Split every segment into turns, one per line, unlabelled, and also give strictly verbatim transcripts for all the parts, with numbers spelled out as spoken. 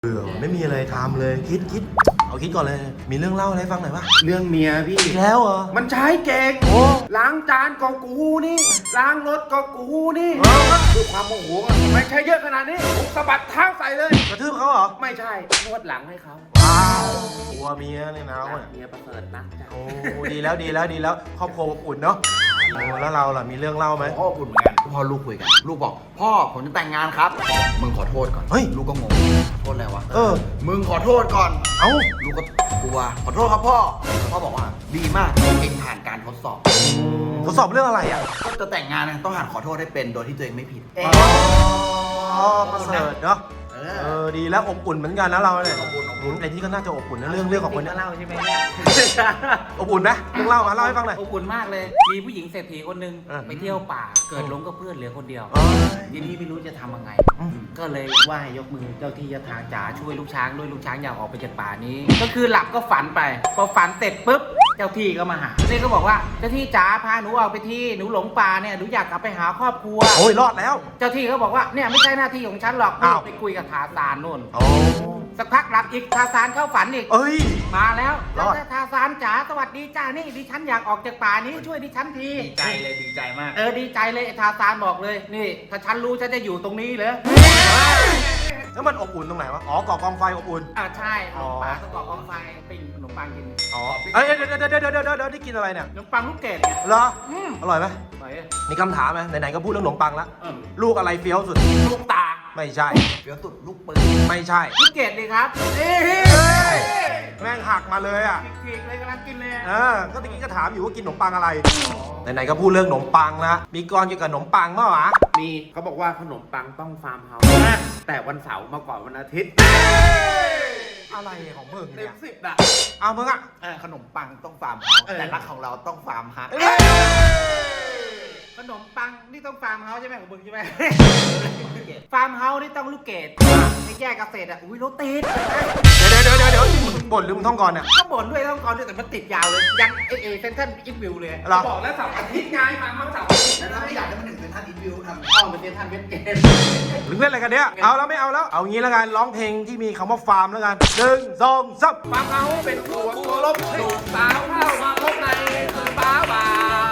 เบื่อไม่มีอะไรทำเลยคิดคิดเอาคิดก่อนเลยมีเรื่องเล่าอะไรฟังหน่อยปะ
เรื่องเมียพี่
อีกแล้วเหรอ
มันใช้เก่ง
โอ้
ล้างจานก็กูนี่ล้างรถก็กูนี่ด้วยความโมโหอะไม่ใช่เยอะขนาดนี้ผมสะบัดเท้าใส่เลย
กระทืบเขาเหรอ
ไม่ใช่นวดหลังให้เขา
ว้าวกลัวเมียเนี่ยนะ
รักเมียประเสริฐรักจ้ะ
โอ้ดีแล้วดีแล้วดีแล้วครอบครัวอบอุ่นเนาะโอ้แล้วเราล่ะมีเรื่องเล่าไหม
พ่อพูดเหมือนกันพ่อลูกคุยกันลูกบอกพ่อผมจะแต่งงานครับมึงขอโทษก่อน
เฮ้ย
ลูกก็งงขอโทษอะไรวะ
เออ
มึงขอโทษก่อน
เอ้า
ลูกก็กลัวขอโทษครับพ่อพ่อบอกว่าดีมากเองผ่านการทดสอบ
ทดสอบเรื่องอะไรอ่ะ
ก็จะแต่งงานนะต้องหัดขอโทษให้เป็นโดยที่ตัวเองไม่ผิดเอ
อ๋อประเสริฐเนาะ
เอ
เอ
อ
อดีแล้วอบอุ่นเหมือนกันนะเราเนี่ย
อบอุ่นอบอุ่
หมุน
น
ไอ้ที่ก็น่าจะอบอุ่นนะเรื่องเรื่องของคน
ก็
เนี้ย
เล่าใช่ไหมเนี่ย
อบอุ่นไหมเรื่องเล่ามาเล่าให้ฟังหน่อย
อบอุ่นมากเลย มีผู้หญิงเศรษฐีคนหนึ่ง
เออ
ไปเที่ยวป่า เกิดหลงกับเพื่อนเหลือคนเดียว
เอ้ย
ทีนี้ไม่รู้จะทำยังไง
อืม
ก็เลยไหว้ยกมือเจ้าที่เจ้าทางจ๋าช่วยลูกช้างด้วยลูกช้างอยากออกไปจากป่านี้ ก็คือหลับก็ฝันไป พอฝันเสร็จปุ๊บ เจ้าที่ก็มาหานี่ก็บอกว่าเจ้าที่จ๋าพาหนูออกไปที่หนูหลงป่าเนี่ยหนูอยากกลับไปหาครอบครัว
โอ้ยรอดแล้ว
เจ้าที่ก็บอกว่าเนี่ยไม่ใช่หน้าที่ของฉันหรอก
อ้าว
ไปคุยกับทาซานนู่น
โอ้
สักพักหลับอีกทาซานเข้าฝันอีก
เอ้ย
มาแล้ว
รอด
แล้วทาซานจ๋าสวัสดีจ้านี่ดิฉันอยากออกจากป่านี้ช่วยดิฉันที
ดีใจเลยดีใจมาก
เออดีใจเลยไอ้ทาซานบอกเลยนี่ถ้าฉันรู้ฉันจะอยู่ตรงนี้เหรอ
แล้วมันอบอุ่นตรงไหนวะอ๋อก่อกองไฟอบอุ่น
อ่าใช่
อ๋อ
ป่าต้องกรอกกองไฟปิ้งขนมปังกิน
อ๋อเอ้ยเดี๋ยวเดี๋ยวเดี๋ยวเดี๋ยวเดี๋ยวเดี๋ยวนี่กินอะไรเนี่ย
ขนมปังลูกเกดเนี่ย
เหรอ
อืม
อร่อยไหม
ไป
มีคำถามไหมไหนๆก็พูดเรื่องขนมปังละ
เออ
ลูกอะไรเฟี้ยวสุด
ลูกตา
ไม่ใช่
เดี๋ยวสุดลูกปืน
ไม่ใช่
ลูกเกดเลยครับเอ้ย
แม่งหักมาเลยอ่ะ
ขีกๆเลยกำลังกินเลย
เออก็ตะกี้ก็ถามอยู่ว่ากินขนมปังอะไรไหนๆก็พูดเรื่องขนมปังละมีกรเกี่ยวกับขนมปังมั้ยวะ
มีเขาบอกว่าขนมปังต้องฟาร์มเฮาส์แต่วันเสาร์มาก่อนวันอาทิตย์
อะไรของมึง
เต็
เนี่
ม
ย
สิบอ่ะ
เอามึงอ่ะ
เออขนมปังต้องฟาร์มเฮาส์
เออ
แต่รักของเราต้องฟาร์มฮัก
ขนมปังนี่ต้องฟาร์มเฮาส์ใช่ไหมของมึงใช่ไหมฟาร์มเฮาส์นี่ต้องลูกเกดให้แยกเกษตรอ่ะอุ้ยรถติด
เดี๋ยวเดี๋ยวเดี๋ยวเดี๋ยวมึงบ่นหรือมึงท่องก่อนเนี่ย
ก็บ่นด้วยต้องกรด้วยแต่มันติดยาวเลย ยันเอเอเซนทันอินวิวเลย
เหรอ
บอกแล้วเสาร์อาทิตย์ไงฟาร์มเฮาส์เสาร์อาทิตย์
แล้วถ้าไม่อยากให้มันถึงเป็นท่านอินวิวทำ
อ้อมเป็นเซนทันเวสเกต
มึงเล่นอะไรกันเนี่ยเอาแล้วไม่เอาแล้วเอางี้แล้วกันร้องเพลงที่มีคำว่าฟาร์มแล้วกันหนึ่งสองสาม
ฟาร์มเฮาส์เป็นตัวตัวลบสูบสาวเข้ามาพบในคือบ้าบ่าว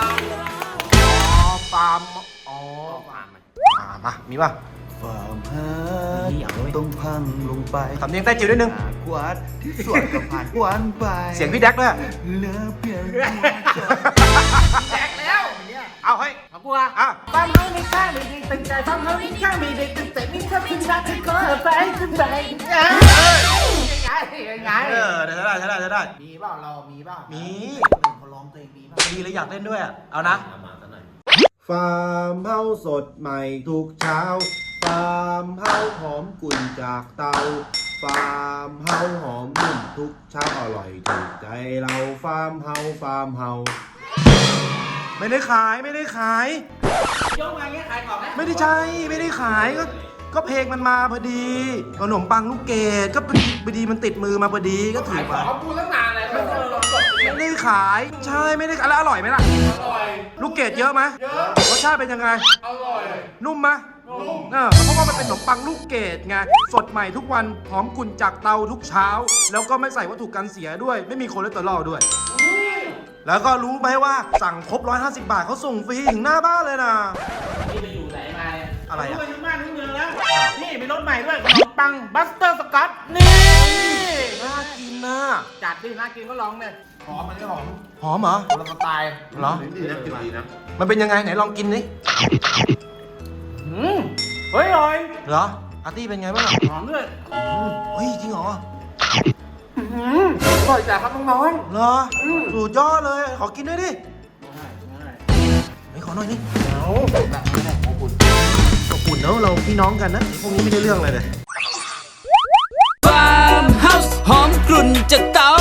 อ๋อฟาร์มอ๋อ
ฟาร์มมัน
อ่ามามีป่ะ
ฟาร์มฮักต้องพังลงไป
ทำเนียงใต้จิ๋วนิดนึง
กวาดที่สวนก็ผ่านวันไป
เสียงพี่แดกด้วย
เหลือเพียงหัวใจ
แตกแล้ว
เอาให้
เอากูอ่ะ
อ่ะ
ฟาร์มเฮาส์มีข้างมีดีตึงใจฟาร์มเฮาส์มีข้างมีดีตึงใจมีข้างขึ้นมาก็ไปขึ้นไปยังไงยังไง
เออเดี๋ยวใช้ได้ใช้ได้ใช้ได้
มีเปล่าเรามีเปล่า
มี
คนอื่นเขาร้องตัวเองมีเปล่า
ดีเลยอยากเล่นด้วยอะเอานะฟาร์มเฮาสดใหม่ทุกเช้าฟาร์มเฮาหอมกุ่นจากเตาฟาร์มเฮาหอมนุ่มทุกเช้าอร่อยถูกใจเราฟาร์มเฮาฟาร์มเฮาไม่ได้ขายไม่ได้ขาย
ยกมาเงี้ยขายของไหม
ไม่ได้ใช่ไม่ได้ขายก็ก็เพลงมันมาพอดีขนมปังลูกเกดก็พอดีพอดีมันติดมือมาพอดีก็ถือมา
เขาพูดตั้งนานเลยมันเจอลองกด
ไม่ได้ขายใช่ไม่ได้ขายแล้วอร่อยไหมล่ะ
อร่อย
ลูกเกดเยอะไหม
เยอะ
รสชาติเป็นยังไง
อร่อย
นุ่มไหม
นุ่ม
เออเพราะว่ามันเป็นขนมปังลูกเกดไงสดใหม่ทุกวันหอมกุ่นจากเตาทุกเช้า แล้วก็ไม่ใส่วัตถุกันเสียด้วย ไม่มีคอเลสเตอรอลด้วย แล้วก็รู้ไหมว่าสั่งครบหนึ่งร้อยห้าสิบบาทเขาส่งฟรีถึงหน้าบ้านเลยนะ
นี่ไปอยู่ไหนมาเนี่ย
อะไรอะ
รู้ไปถึงบ้านถึงเมืองแล้ว นี่มีรถใหม่ด้วยขนมปังบัสเตอร์สกอต นี่
น่ากินนะ
จัดดิน่ากินก็ลองเลย
หอมมันก็หอม
หอมเหรอ
คนละสไตล์
เหรอ
ดีนะดีนะ
มันเป็นยังไงไหนลองกินดิ
อืมเฮ้ยอร่อย
เหรออาร์ตี้เป็นไงบ้างอะ
หอมด้วย
เฮ้ยจริงเหรอ
อืมอร่อยจ้ะครับน้อง
เหรอสุดยอดเลยขอกินด้วยดิ
ๆ
เฮ้ยขอหน่อยนี่เอาแบบนี้แหละอบอุ่นอบอุ่นเนอะเราพี่น้องกันนะพวกนี้ไม่ได้เรื่องอะไรเลย
ฟาร์มเฮาส์หอมกลุ่นจากเตา